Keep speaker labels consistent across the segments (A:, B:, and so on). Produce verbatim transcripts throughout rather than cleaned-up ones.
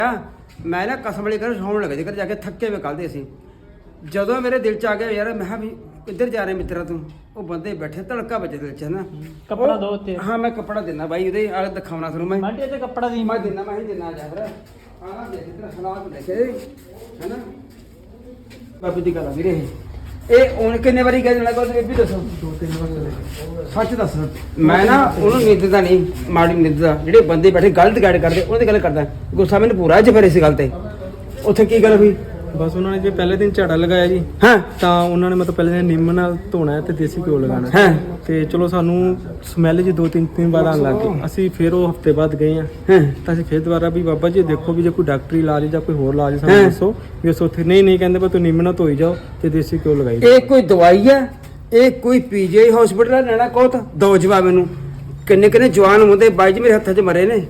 A: ਮੈਂ ਨਾ ਕਸਮ ਵਾਲੀ ਕਰ ਸੌਣ ਲੱਗਾ ਜੇਕਰ ਜਾ ਕੇ ਥੱਕੇ ਵੇ ਕੱਲ੍ਹ ਦੇ ਅਸੀਂ ਜਦੋਂ ਮੇਰੇ ਦਿਲ ਚ ਆ ਗਿਆ ਯਾਰ ਮੈਂ ਕਿਹਾ ਵੀ ਕਿੱਧਰ ਜਾ ਰਹੇ ਮਿੱਤਰਾ ਤੂੰ ਉਹ ਬੰਦੇ ਬੈਠੇ ਧੜਕਾ ਵੱਜੇ ਦਿਲ ਚ ਹਨਾ
B: ਕੱਪੜਾ ਦੋ ਉੱਤੇ
A: ਹਾਂ ਮੈਂ ਕੱਪੜਾ ਦਿੰਦਾ ਬਾਈ ਉਹਦੇ ਆ ਦਿਖਾਉਣਾ ਤੁਹਾਨੂੰ ਮੈਂ
B: ਮਾਂਟੇ ਤੇ ਕੱਪੜਾ ਦੀ
A: ਮੈਂ ਦਿੰਦਾ ਮੈਂ ਹੀ ਦਿੰਦਾ ਜਾ ਫਿਰ ਆ ਨਾ ਦੇਖ ਤੇਰਾ ਹਾਲਾਤ ਦੇਖੇ ਹਨਾ ਬਾਬੂ ਦੀ ਗੱਲ ਆ ਵੀਰੇ ਇਹ ਹੁਣ ਕਿੰਨੇ ਵਾਰੀ ਕਹਿ ਦੇਣਾ ਕੋਈ ਇਹ ਵੀ ਦੱਸੋ ਦੋ ਤਿੰਨ ਵਾਰ ਸੱਚ ਦੱਸ ਮੈਂ ਨਾ ਉਹਨੂੰ ਨਿੰਦਦਾ ਨਹੀਂ ਮਾੜੀ ਨਿੰਦਦਾ ਜਿਹੜੇ ਬੰਦੇ ਬੈਠੇ ਗਲਤ ਗਾਈਡ ਕਰਦੇ ਉਹਨਾਂ ਦੀ ਗੱਲ ਕਰਦਾ ਗੁੱਸਾ ਮੈਨੂੰ ਪੂਰਾ ਅੱਜ ਫਿਰ ਇਸ ਗੱਲ ਤੇ ਉੱਥੇ ਕੀ ਗੱਲ ਹੋਈ
C: ਬਸ ਉਹਨਾਂ ਨੇ ਜੇ ਪਹਿਲੇ ਦਿਨ ਝਾੜਾ ਲਗਾਇਆ ਜੀ
A: ਹਾਂ
C: ਤਾਂ ਉਹਨਾਂ ਨੇ ਮਤਲਬ ਪਹਿਲੇ ਦਿਨ ਨਿੰਮ ਨਾਲ ਧੋਣਾ ਹੈ ਤੇ ਦੇਸੀ ਘਿਓ ਲਗਾਉਣਾ
A: ਹਾਂ
C: ਤੇ ਚਲੋ ਸਾਨੂੰ ਸਮੈਲ ਜੀ ਦੋ ਤਿੰਨ ਤਿੰਨ ਵਾਰ ਆਉਣ ਲੱਗ ਗਈ ਅਸੀਂ ਫਿਰ ਉਹ ਹਫਤੇ ਬਾਅਦ ਗਏ ਆ
A: ਹਾਂ
C: ਤਾਂ ਅਸੀਂ ਫਿਰ ਦੁਬਾਰਾ ਵੀ ਬਾਬਾ ਜੀ ਦੇਖੋ ਵੀ ਜੇ ਕੋਈ ਡਾਕਟਰੀ ਇਲਾਜ ਜਾਂ ਕੋਈ ਹੋਰ ਇਲਾਜ ਸਾਨੂੰ ਦੱਸੋ ਵੀ ਉਸ ਉੱਥੇ ਨਹੀਂ ਨਹੀਂ ਕਹਿੰਦੇ ਪਰ ਤੂੰ ਨਿੰਮ ਨਾਲ ਧੋਈ ਜਾਓ ਤੇ ਦੇਸੀ ਘਿਓ ਲਗਾਈ ਜਾਓ।
A: ਇਹ ਕੋਈ ਦਵਾਈ ਹੈ ਇਹ ਕੋਈ ਪੀਜੀ ਹਸਪੀਟਲ ਲੈਣਾ ਕੋਤ ਦੋ ਜਵਾਬ ਮੈਨੂੰ ਕਿੰਨੇ ਕਿੰਨੇ ਜਵਾਨ ਹੁੰਦੇ ਬਾਈ ਜੀ ਮੇਰੇ ਹੱਥਾਂ 'ਚ ਮਰੇ ਨੇ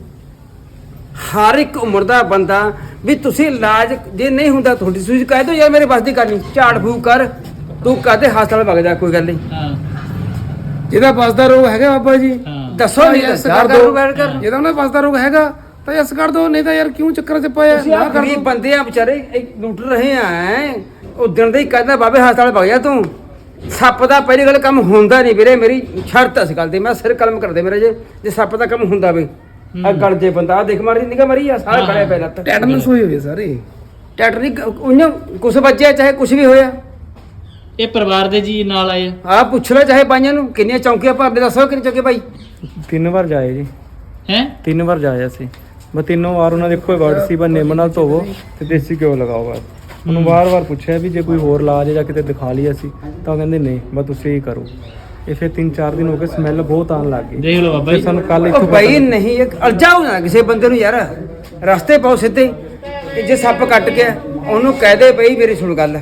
A: ਹਰ ਇੱਕ ਉਮਰ ਦਾ ਬੰਦਾ ਵੀ ਤੁਸੀਂ ਇਲਾਜ ਜੇ ਨਹੀਂ ਹੁੰਦਾ ਤੁਹਾਡੀ ਤੁਸੀਂ ਕਹਿ ਦੋ ਯਾਰ ਮੇਰੇ ਬਸ ਦੀ ਕਰਨੀ ਝਾੜ ਫੂਕ ਕਰ ਤੂੰ ਕਹਦੇ ਹਸਪਤਾਲ ਵਗ ਜਾ ਕੋਈ ਗੱਲ ਨਹੀਂ
B: ਹਾਂ
C: ਜਿਹਦਾ ਬਸ ਦਾ ਰੋਗ ਹੈਗਾ ਬਾਬਾ ਜੀ
B: ਹਾਂ
A: ਦੱਸੋ ਨਹੀਂ ਕਰ ਦੋ
C: ਜਿਹਦਾ ਉਹਨਾਂ ਬਸ ਦਾ ਰੋਗ ਹੈਗਾ ਤਾਂ ਯਸ ਕਰ ਦੋ ਨਹੀਂ ਤਾਂ ਯਾਰ ਕਿਉਂ ਚੱਕਰ 'ਚ ਪਾਇਆ
A: ਤੁਸੀਂ ਆ ਗਰੀਬ ਬੰਦੇ ਆ ਵਿਚਾਰੇ ਇਹ ਲੁੱਟ ਰਹੇ ਆ ਉਹ ਦਿਨ ਦੇ ਹੀ ਕਹਿੰਦਾ ਬਾਬੇ ਹਸਪਤਾਲ ਵਗ ਜਾ ਤੂੰ ਸੱਪ ਦਾ ਪਹਿਲੀ ਗੱਲ ਕੰਮ ਹੁੰਦਾ ਨਹੀਂ ਵੀਰੇ ਮੇਰੀ ਸ਼ਰਤ ਇਸ ਗੱਲ ਤੇ ਮੈਂ ਸਿਰ ਕਲਮ ਕਰਦੇ ਮੇਰੇ ਜੇ ਜੇ ਸੱਪ ਦਾ ਕੰਮ ਹੁੰਦਾ ਵੇ ਆ ਗਲ ਜੇ ਬੰਦਾ ਆ ਦੇਖ ਮਾਰੀ ਨਿਗਾ ਮਰੀ ਆ ਸਾਰੇ ਖੜੇ ਪੈ ਲੱਤ
C: ਟੈਟਨਸ ਹੋਈ ਹੋਈ ਸਾਰੇ
A: ਟੈਟਰ ਨਹੀਂ ਉਹਨੇ ਕੁਛ ਵੱਜਿਆ ਚਾਹੇ ਕੁਛ ਵੀ ਹੋਇਆ
B: ਇਹ ਪਰਿਵਾਰ ਦੇ ਜੀ ਨਾਲ ਆਏ
A: ਆ ਪੁੱਛ ਲੈ ਚਾਹੇ ਬਾਈਆਂ ਨੂੰ ਕਿੰਨੀਆਂ ਚੌਂਕੀਆਂ ਭਰਦੇ ਦੱਸੋ ਕਿੰਨੇ ਚੌਂਕੇ ਭਾਈ
C: ਤਿੰਨ ਵਾਰ ਜਾਏ ਜੀ
B: ਹੈ
C: ਤਿੰਨ ਵਾਰ ਜਾਏ ਅਸੀਂ ਬਸ ਤਿੰਨੋਂ ਵਾਰ ਉਹਨਾਂ ਦੇ ਇੱਕੋ ਹੀ ਵਰਡ ਸੀ ਬਸ ਨਿੰਮ ਨਾਲ ਧੋਵੋ ਤੇ ਦੇਸੀ ਘਿਓ ਲਗਾਓ ਬਸ ਉਹਨੂੰ ਵਾਰ-ਵਾਰ ਪੁੱਛਿਆ ਵੀ ਜੇ ਕੋਈ ਹੋਰ ਇਲਾਜ ਹੈ ਜਾਂ ਕਿਤੇ ਦਿਖਾ ਲਈ ਅਸੀਂ ਤਾਂ ਉਹ ਕਹਿੰਦੇ ਨਹੀਂ ਬਸ ਤੁਸੀਂ ਹੀ ਕਰੋ ਇਹ ਫਿਰ ਤਿੰਨ ਚਾਰ ਦਿਨ ਹੋ ਗਏ ਸਮੈਲ ਬਹੁਤ ਆਉਣ ਲੱਗ ਗਈ
B: ਦੇਖ ਲਓ ਬਾਬਾ
C: ਫਿਰ
B: ਜੀ
C: ਸਾਨੂੰ ਕੱਲ
A: ਉਹ
C: ਇੱਥੋਂ
A: ਭਾਈ ਨਹੀਂ ਇੱਕ ਅਲਝਾਓ ਨਾ ਕਿਸੇ ਬੰਦੇ ਨੂੰ ਯਾਰ ਰਸਤੇ ਪਾਓ ਸਿੱਧੇ ਤੇ ਜੇ ਸੱਪ ਕੱਟ ਗਿਆ ਉਹਨੂੰ ਕਹਿ ਦੇ ਬਈ ਮੇਰੀ ਸੁਣ ਗੱਲ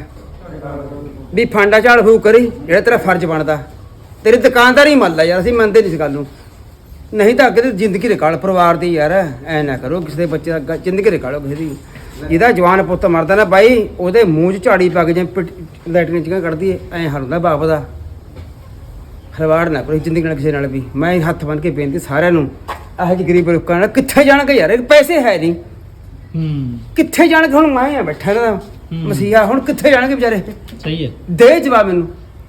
A: ਵੀ ਫਾਂਡਾ ਝਾੜ ਫੂਕ ਕਰੀ ਜਿਹੜਾ ਤੇਰਾ ਫਰਜ਼ ਬਣਦਾ ਤੇਰੀ ਦੁਕਾਨਦਾਰੀ ਮੰਨਦਾ ਯਾਰ ਅਸੀਂ ਮੰਨਦੇ ਨਹੀਂ ਇਸ ਗੱਲ ਨੂੰ ਨਹੀਂ ਤਾਂ ਅੱਗੇ ਤੇ ਜ਼ਿੰਦਗੀ ਰਿਕਾਲ ਪਰਿਵਾਰ ਦੀ ਯਾਰ ਐ ਨਾ ਕਰੋ ਕਿਸੇ ਦੇ ਬੱਚੇ ਦਾ ਜ਼ਿੰਦਗੀ ਰਿਕਾਲੋ ਕਿਸੇ ਦੀ ਜਿਹਦਾ ਜਵਾਨ ਪੁੱਤ ਮਰਦਾ ਨਾ ਬਾਈ ਉਹਦੇ ਮੂੰਹ 'ਚ ਝਾੜੀ ਪਾ ਕੇ ਜੇ ਲੈਟਰੀਨ ਚੀਆਂ ਕੱਢਦੀ ਐ ਹਰ ਹੁੰਦਾ ਬਾਪ ਦਾ ਖਿਲਵਾੜ ਨਾ ਕਰੋ ਜ਼ਿੰਦਗੀ ਨਾਲ ਕਿਸੇ ਨਾਲ ਵੀ ਮੈਂ ਹੱਥ ਬੰਨ ਕੇ ਬੇਨਤੀ ਸਾਰਿਆਂ ਨੂੰ ਇਹੋ ਜਿਹੇ ਗਰੀਬ ਲੋਕਾਂ ਨਾਲ ਕਿੱਥੇ ਜਾਣਗੇ ਯਾਰ ਪੈਸੇ ਹੈ ਨਹੀਂ
B: ਹੂੰ
A: ਕਿੱਥੇ ਜਾਣਗੇ ਹੁਣ ਮੈਂ ਆ ਬੈਠਾ ਦਾ ਮਸੀਹਾ ਹੁਣ ਕਿੱਥੇ ਜਾਣਗੇ ਵਿਚਾਰੇ
B: ਸਹੀ ਹੈ
A: ਦੇ ਜਵਾਬ ਮੈਨੂੰ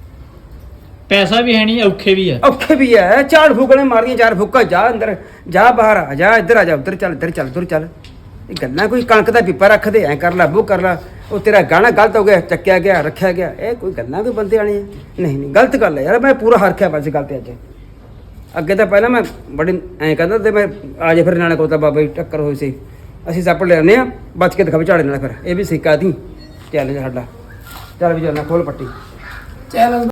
B: ਪੈਸਾ ਵੀ ਹੈ ਨਹੀਂ ਔਖੇ ਵੀ ਆ
A: ਔਖੇ ਵੀ ਹੈ ਝਾੜ ਫੂਕਣੇ ਮਾਰਦੀਆਂ ਚਾਰ ਫੂਕਾ ਜਾ ਅੰਦਰ ਜਾ ਬਾਹਰ ਆ ਜਾ ਇੱਧਰ ਆ ਜਾ ਉੱਧਰ ਚੱਲ ਇੱਧਰ ਚੱਲ ਉੱਧਰ ਚੱਲ ਇਹ ਗੱਲਾਂ ਕੋਈ ਕਣਕ ਦਾ ਪੀਪਾ ਰੱਖਦੇ ਐ ਕਰ ਲਾ ਉਹ ਕਰ ਲਾ ਉਹ ਤੇਰਾ ਗਾਣਾ ਗਲਤ ਹੋ ਗਿਆ ਚੱਕਿਆ ਗਿਆ ਰੱਖਿਆ ਗਿਆ ਇਹ ਕੋਈ ਗੱਲਾਂ ਕੋਈ ਬੰਦੇ ਵਾਲੀਆਂ ਨਹੀਂ ਨਹੀਂ ਗਲਤ ਗੱਲ ਹੈ ਯਾਰ ਮੈਂ ਪੂਰਾ ਹਰਖਿਆ ਬਸ ਗੱਲ ਤੇ ਅੱਜ ਅੱਗੇ ਤਾਂ ਪਹਿਲਾਂ ਮੈਂ ਬੜੀ ਐਂ ਕਹਿੰਦਾ ਤੇ ਮੈਂ ਆ ਜੇ ਫਿਰ ਨਾਲੇ ਕੋਤਾ ਬਾਬਾ ਜੀ ਟੱਕਰ ਹੋਈ ਸੀ ਅਸੀਂ ਸੱਪ ਲੈਣੇ ਆ ਬਚ ਕੇ ਦਿਖਾਵੇ ਝਾੜੇ ਨਾਲ ਫਿਰ ਇਹ ਵੀ ਸਿੱਕਾ ਦੀ ਚੈਲੰਜ ਸਾਡਾ ਚੱਲ ਵੀ ਜਾਣਾ ਖੋਲ ਪੱਟੀ
C: ਚੈਲੰਜ